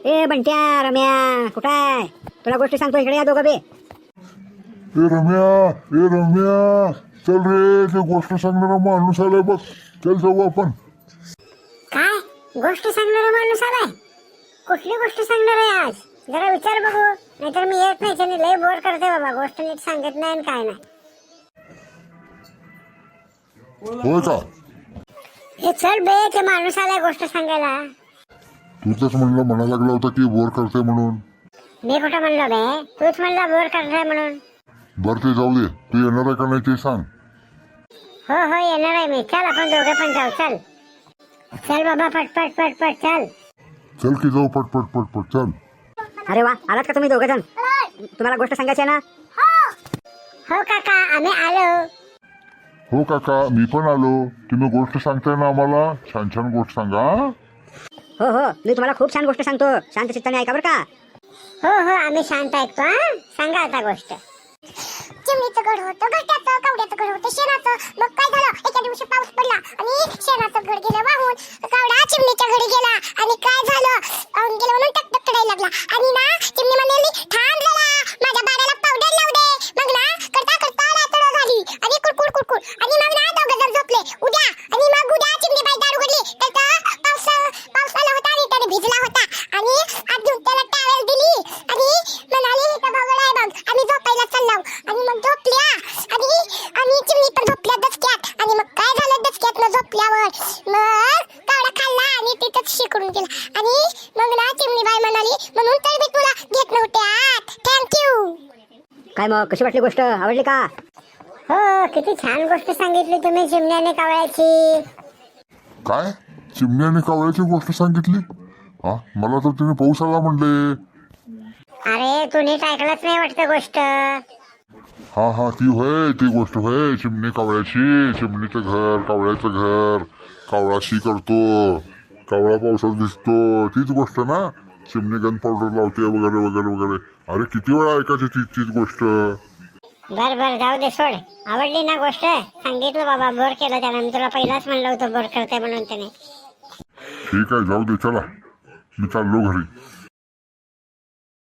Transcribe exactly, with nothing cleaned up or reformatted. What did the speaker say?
ए बंट्या रम्या कुठं आहे? तुला गोष्टी सांगतो, इकडे या दोघं बे. ए रम्या ए रम्या चल रे, ते गोष्ट सांगणारा माणूस आलाय बघ. चल जाऊ आपण. काय गोष्ट सांगणारा माणूस आलाय? कुठली गोष्ट सांगणार आहे आज? जरा विचार बघू, नाहीतर मी येत नाही. त्याने लय बोर करते बाबा, गोष्ट नीट सांगत नाही आणि काय नाही. होय का? हे चल बे, ते माणूस आलाय गोष्ट सांगायला. तू तरच म्हणलं म्हणा लागला होता की बोर करते म्हणून. मी कुठं म्हणलो बे? तूच म्हणला बोर करताय म्हणून. बरं ते जाऊ दे, तू येणार आहे का नाही ते सांग. हो हो येणार आहे मी. चल आपण दोघे पण जाऊ. चल चल बाबा, पटपट पटपट चल. चल की जाऊ पटपट पटपट चल. अरे वा, आलात का तुम्ही दोघं जण? तुम्हाला गोष्ट सांगायची आहे ना? हो काका, आम्ही आलो. हो काका, मी पण आलो. तुम्ही गोष्ट सांगताय ना आम्हाला? छान छान गोष्ट सांगा. हो हो, मी तुम्हाला खूप छान गोष्ट सांगतो. शांत चित्ताने ऐका बरं का. हो हो आम्ही शांत ऐकतो. हा सांगा आता गोष्ट. चिमणीचं घर होतं, घट्याचं कवड्याचं घर होतं, शेणाचं. मग काय झालं, एका दिवशी पाऊस पडला आणि शेणाचं घर गेलं वाहून. कवडा चिमणीच्या घरी गेला आणि काय झालं, वाहून गेलं म्हणून टक टक करायला लागला. आणि ना चिमणी म्हणाली, थांब जरा, माझ्या बाळाला पावडर लावू दे. मग ना करता करता रात्र झाली आणि कुडकुड कुडकुड. आणि मग ना दोघं जण झोपले. उद्या आणि मग उद्या चिमणी बाई दार उघडली तर पाऊस पाऊस आला होता आणि त्याने भिजला होता. आणि अजून त्याला टॅवेल दिली आणि म्हणाली, इथं बघ आहे बघ, आम्ही झोपायला चाललो. आणि मग झोपल्या आणि आणि चिमणी पण झोपल्या दचक्यात. आणि मग काय झालं, दचक्यात न झोपल्यावर मग कावडा खाल्ला आणि तिथंच शिकून गेला. आणि मग ना चिमणी बाई म्हणाली, म्हणून तर मी तुला घेत नव्हते आत. थँक्यू. काय मग, कशी वाटली गोष्ट? आवडली का? हो, किती छान गोष्ट सांगितली तुम्ही चिमण्याने कावळ्याची. काय चिमण्याने कावळ्याची गोष्ट सांगितली? हा, मला तर तिने पाऊस आला म्हणले. अरे तू नीट ऐकलंच नाही वाटतं गोष्ट. हा हा ती होय, ती गोष्ट होय, चिमणी कावळ्याची. चिमणीचं घर, कावळ्याचं घर, कावळा शी करतो, कावळा पावसात दिसतो, तीच गोष्ट ना. चिमणी गन पावडर लावते वगैरे वगैरे वगैरे. अरे किती वेळा ऐकायची ती तीच गोष्ट. बर बर जाऊ दे, सोड. आवडली ना गोष्ट? सांगितलं बाबा, बोर केलं त्यानं. मी तुला पहिलाच म्हणलं होतं बोर करते म्हणून त्याने. ठीक आहे, जाऊ दे, चला मी चाललो घरी.